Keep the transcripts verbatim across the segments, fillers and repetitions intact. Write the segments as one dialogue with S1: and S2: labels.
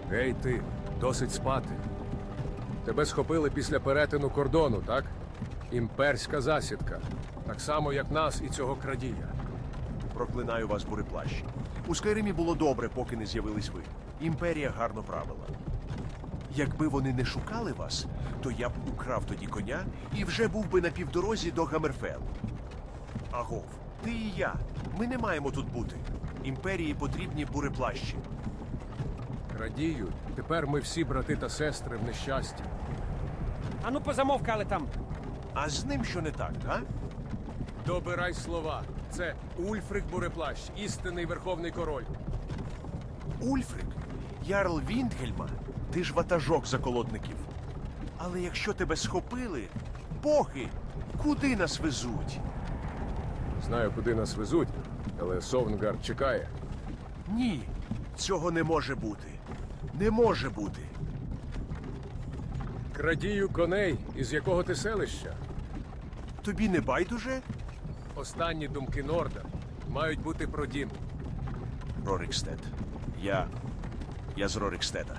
S1: Гей ти, досить спати. Тебе схопили після перетину кордону, так? Імперська засідка. Так само, як нас і цього крадія.
S2: Проклинаю вас, буреплащ. У Скайримі було добре, поки не з'явились ви. Імперія гарно правила. Якби вони не шукали вас, то я б украв тоді коня і вже був би на півдорозі до Гаммерфелу. Агов, ти і я. Ми не маємо тут бути. Імперії потрібні буреплащі.
S1: Крадію, тепер ми всі брати та сестри в нещасті.
S3: Ану позамовкали там.
S2: А з ним що не так, а?
S1: Добирай слова. Це Ульфрик Буреплащ, істинний верховний король.
S2: Ульфрик, ярл Віндгельма, ти ж ватажок заколотників. Але якщо тебе схопили, боги, куди нас везуть?
S1: Знаю, куди нас везуть, але Совнгард чекає.
S2: Ні, цього не може бути. Не може бути.
S1: Крадію коней, із якого ти селища?
S2: Тобі не байдуже?
S1: Останні думки Норда мають бути про дім.
S2: Рорикстед. Я. Я з Рорикстеда.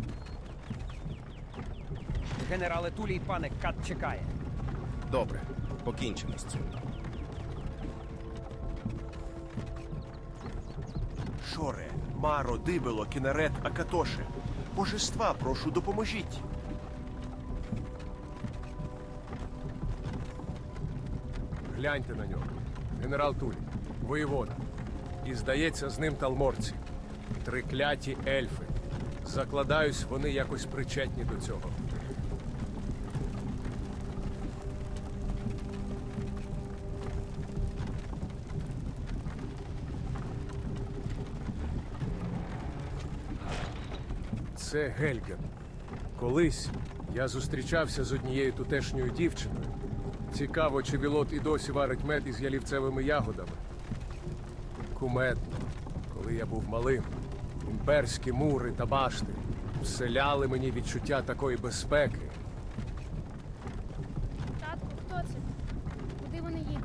S3: Генерале Тулій, пане Кат чекає.
S4: Добре, покінчимо з цим.
S2: Шоре, Маро, Дибело, Кінарет, Акатоше. Божества, прошу, допоможіть.
S1: Гляньте на нього. Генерал Тулій, воєвода. І, здається, з ним талморці. Трикляті ельфи. Закладаюсь, вони якось причетні до цього. Це Гельген. Колись я зустрічався з однією тутешньою дівчиною. Цікаво, чи Вілот і досі варить мед із ялівцевими ягодами. Кумедно, коли я був малим, імперські мури та башти вселяли мені відчуття такої безпеки.
S5: Татку, хто це? Куди вони їдуть?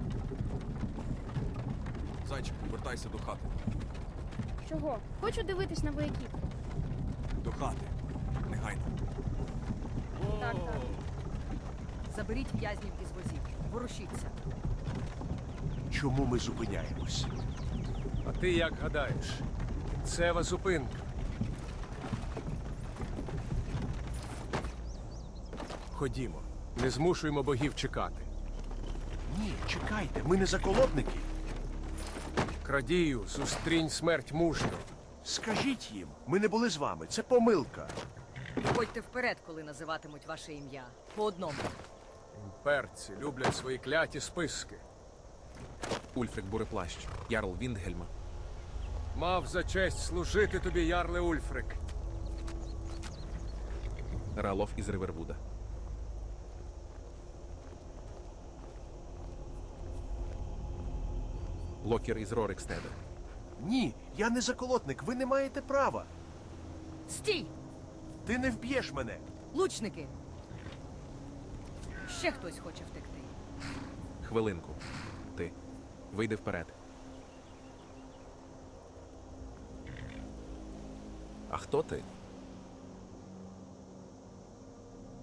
S4: Зайчику, вертайся до хати.
S5: Чого? Хочу дивитись на вояків.
S4: До хати. Негайно.
S5: Так, так.
S6: Заберіть в'язнів із возів. Ворушіться.
S2: Чому ми зупиняємось?
S1: А ти як гадаєш? Кінцева зупинка. Ходімо, не змушуємо богів чекати.
S2: Ні, чекайте, ми не заколотники.
S1: Крадію, зустрінь смерть мужньо.
S2: Скажіть їм, ми не були з вами, це помилка.
S6: Ходьте вперед, коли називатимуть ваше ім'я. По одному.
S1: Імперці люблять свої кляті списки.
S4: Ульфрик Буреплащ, ярл Віндгельма.
S1: Мав за честь служити тобі, ярле Ульфрик.
S4: Ралов із Ривервуда. Локер із Рорикстеда.
S2: Ні, я не заколотник, ви не маєте права.
S6: Стій!
S2: Ти не вб'єш мене.
S6: Лучники! Ще хтось хоче втекти.
S4: Хвилинку. Ти. Вийди вперед. А хто ти?